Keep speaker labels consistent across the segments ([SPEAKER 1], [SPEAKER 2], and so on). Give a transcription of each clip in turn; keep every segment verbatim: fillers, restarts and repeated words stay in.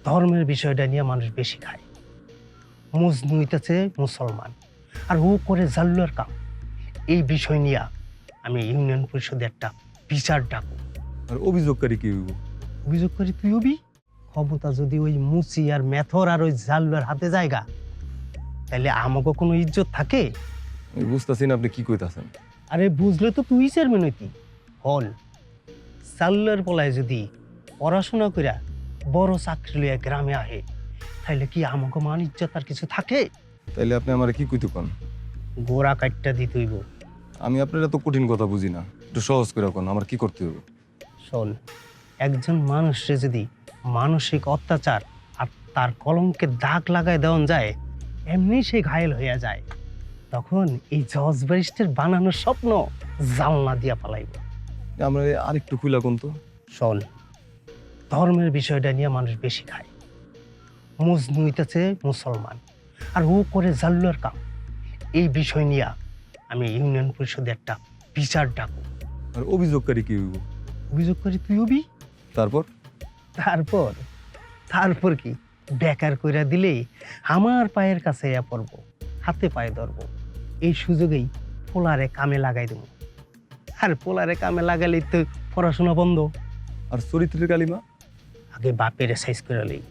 [SPEAKER 1] ধর্মের বিষয়টা নিয়ে মানুষ বেশি খায়। মজনু হইতেছে মুসলমান আর ও করে জাল্লুয়ার কাম। এই বিষয় নিয়ে আমি ইউনিয়ন পরিষদে একটা বিচার ডাকু।
[SPEAKER 2] আর অভিযোগকারী কি হইব?
[SPEAKER 1] অভিযোগ করি তুই হবি। ক্ষমতা যদি ওই মুচি আর মেথর আর ওই জাল্লুয়ার হাতে জায়গা, তাহলে আমাকে কোনো ইজ্জত থাকে?
[SPEAKER 2] আমি বুঝতেছি না আপনি কি কইতাছেন।
[SPEAKER 1] আরে বুঝলে তো তুই চেয়ারম্যান হইতি। হল জাল্লুয়ার পলায় যদি পড়াশোনা কইরা বড় চাকরি লইয়া গ্রামে আহে, তাহলে কি আমাকে মান ইজ্জত আর কিছু থাকে?
[SPEAKER 2] তাইলে আপনি আমার কি কইতে কোন?
[SPEAKER 1] গোড়া কাটটা দিতে হইব।
[SPEAKER 2] আমি আপনার এত কঠিন কথা বুঝি না, একটু সহজ করে কোন আমার কি করতে হবে?
[SPEAKER 1] শোন, একজন মানুষে যদি মানসিক অত্যাচার আর তার কলঙ্কে দাগ লাগায় দেওয়া যায়, এমনি সে ঘায়েল হইয়া যায়, তখন এই জজ ব্যারিস্টার বানানোর স্বপ্ন জালনা দিয়া পালাইব।
[SPEAKER 2] আমরা আরেকটু খুলা কোন তো।
[SPEAKER 1] শোন, ধর্মের বিষয়টা নিয়ে মানুষ বেশি খায়। মজনু হইতেছে মুসলমান আর ও করে জাল্লুয়ার কাম। এই বিষয় নিয়ে আমি ইউনিয়ন পরিষদে একটা বিচার ডাকু।
[SPEAKER 2] আর অভিযোগকারী কি হইব?
[SPEAKER 1] অভিযোগ করি তুই হবি।
[SPEAKER 2] তারপর
[SPEAKER 1] তারপর তারপর কি বেকার কইরা দিলেই আমার পায়ের কাছে ইয়া পড়ব, হাতে পায়ে ধরব। এই সুযোগেই পোলারে কামে লাগাই দেব। আর পোলারে কামে লাগালেই তো পড়াশোনা বন্ধ।
[SPEAKER 2] আর চরিত্রের কালিমা?
[SPEAKER 1] আগে বাপের সাইজ করে লই,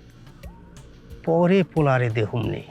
[SPEAKER 1] পরে পোলারে দেহুম নেই।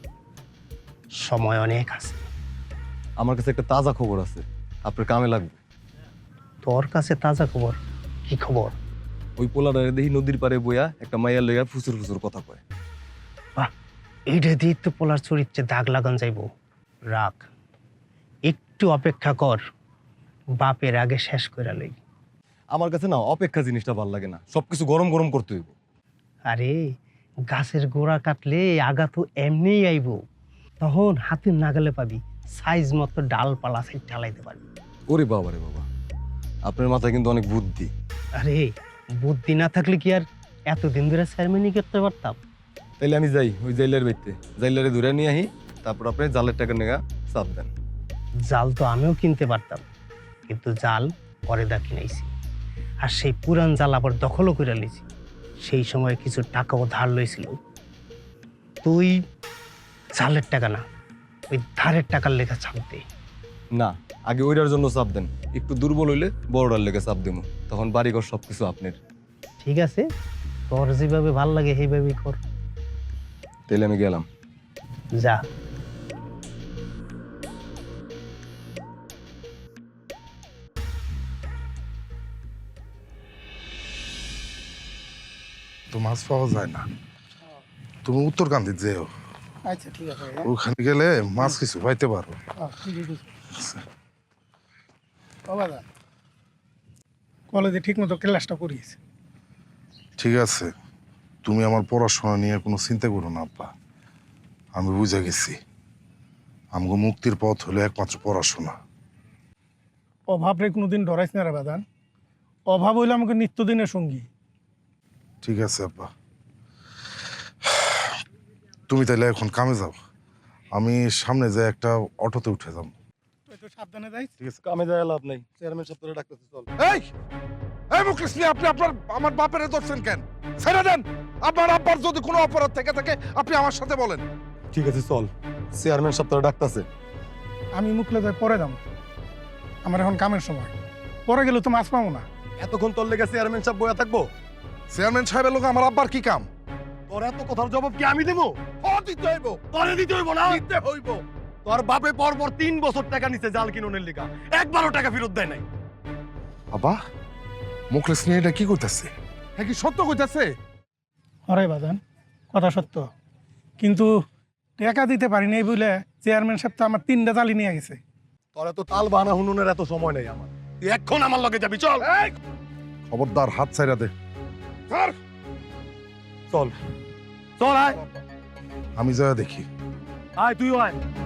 [SPEAKER 1] সময় অনেক আছে।
[SPEAKER 2] আমার কাছে একটা তাজা খবর আছে, আপনার কামে লাগবে।
[SPEAKER 1] তোর কাছে তাজা খবর? কি খবর?
[SPEAKER 2] ওই পোলারে দেখি নদীর পাড়ে বইয়া একটা মাইয়ার লইয়া ফুসুর ফুসুর কথা কয়।
[SPEAKER 1] বাহ, এইটা দিয়ে তো পোলার চরিত্রে দাগ লাগান যাইব। রাখ, একটু অপেক্ষা কর, বাপের আগে শেষ করে লই।
[SPEAKER 2] আমার কাছে না অপেক্ষা জিনিসটা ভাল লাগে না, সবকিছু গরম গরম করতে হইব।
[SPEAKER 1] আরে গাছের গোড়া কাটলে আগা তো এমনিই আইব, তখন হাতের নাগালে পাবি, সাইজ মতো ডালপালা সাইড ঢালাইতে পারবি।
[SPEAKER 2] ওরে বাবা রে বাবা, আপনার মাথায় কিন্তু অনেক বুদ্ধি।
[SPEAKER 1] আরে বুদ্ধি না থাকলে কি আর এতদিন ধরে সেরেমনি করতে পারতাম?
[SPEAKER 2] তাইলে আমি যাই ওই জাইলার বাইতে, জাইলারে ধরে নিয়ে আহি, তারপর আপনি জালের টাকা নেগা চাপ দেন।
[SPEAKER 1] জাল তো আমিও কিনতে পারতাম, কিন্তু জাল পরে দা কিনাইছি। আর সেই পুরান জাল আবার দখলও করে লিছি। সেই সময় কিছু টাকাও ধার লইছিল। তুই জালের টাকা না, ওই ধারের টাকার লেখা ছাপ দে।
[SPEAKER 2] না, আগে ওইটার জন্য চাপ দেন, একটু দুর্বল হইলে বড়টার লেগে চাপ দেবো, তখন বাড়িঘর সবকিছু আপনার।
[SPEAKER 1] ঠিক আছে, তোর যেভাবে ভাল লাগে সেইভাবেই কর।
[SPEAKER 2] তাইলে আমি গেলাম।
[SPEAKER 1] যা।
[SPEAKER 3] তো মাছ পাওয়া যায় না, তুমি উত্তরকান্দি যেও,
[SPEAKER 4] আচ্ছা ঠিক আছে।
[SPEAKER 3] ওখানে গেলে মাছ কিছু পাইতে পারো।
[SPEAKER 4] বাবা কলেজে ঠিক মতো ক্লাসটা করিয়েছে।
[SPEAKER 3] ঠিক আছে, তুমি আমার পড়াশোনা নিয়ে কোনো চিন্তা করো না আব্বা। আমি বুঝে গেছি, আমাকে মুক্তির পথ হলো একমাত্র পড়াশোনা।
[SPEAKER 4] অভাব রে কোনোদিন ডরাইস না রে বাদান, অভাব হইলে আমাকে নিত্যদিনের সঙ্গী।
[SPEAKER 3] ঠিক আছে আব্বা, তুমি তাহলে এখন কামে যাও, আমি সামনে যাই একটা অটোতে উঠে যাবো।
[SPEAKER 4] তুই তো সাবধানে যাইস।
[SPEAKER 3] ঠিক আছে।
[SPEAKER 2] কামে যাই লাভ নাই, চেয়ারম্যান সপ্তাহে ডাকতেছে, চল।
[SPEAKER 3] এই এই মুখলিস মিয়া, আপনি আপনার আমার বাপের ধরছেন কেন? ছেড়ে দেন। আপনার আব্বার যদি কোনো অপরাধ থেকে থাকে আপনি আমার সাথে বলেন।
[SPEAKER 2] ঠিক আছে চল, চেয়ারম্যান সপ্তাহে ডাকতেছে।
[SPEAKER 4] আমি মুখলে যাই পরে দাম, আমার এখন কামের সময়, পরে গেলে তো মাছ পাবো না।
[SPEAKER 2] এতক্ষণ তোর লেগে চেয়ারম্যান সাহেব বইয়া থাকবো?
[SPEAKER 3] চেয়ারম্যান সাহেবের লোক আমার আব্বার কি কাম?
[SPEAKER 2] তোর এত কথার জবাব কি আমি দেবো?
[SPEAKER 3] ও দিতে হইব,
[SPEAKER 2] তোরে দিতে হইব না?
[SPEAKER 3] দিতে হইব।
[SPEAKER 2] তোর বাপে পর পর তিন বছর টাকা নিছে জাল কিনুনের লিগা, একবারও টাকা ফেরত দেয় নাই।
[SPEAKER 3] বাবা, মুখলিস মিয়া এটা কি করতেছে? হ্যাঁ, কি সত্য কইতাছে?
[SPEAKER 4] হরে বাদান, কথা সত্য, কিন্তু টাকা দিতে পারিনি এই বলে চেয়ারম্যান সাহেব তো আমার তিনটা জালি নিয়ে গেছে।
[SPEAKER 2] তোর এত তাল বাহানা হুনুনের এত সময় নেই আমার, তুই এখন আমার লগে যাবি, চল।
[SPEAKER 3] খবরদার হাত ছাইরা দে।
[SPEAKER 2] চল চল, আয়
[SPEAKER 3] আমি যা দেখি।
[SPEAKER 2] আয় তুইও আয়।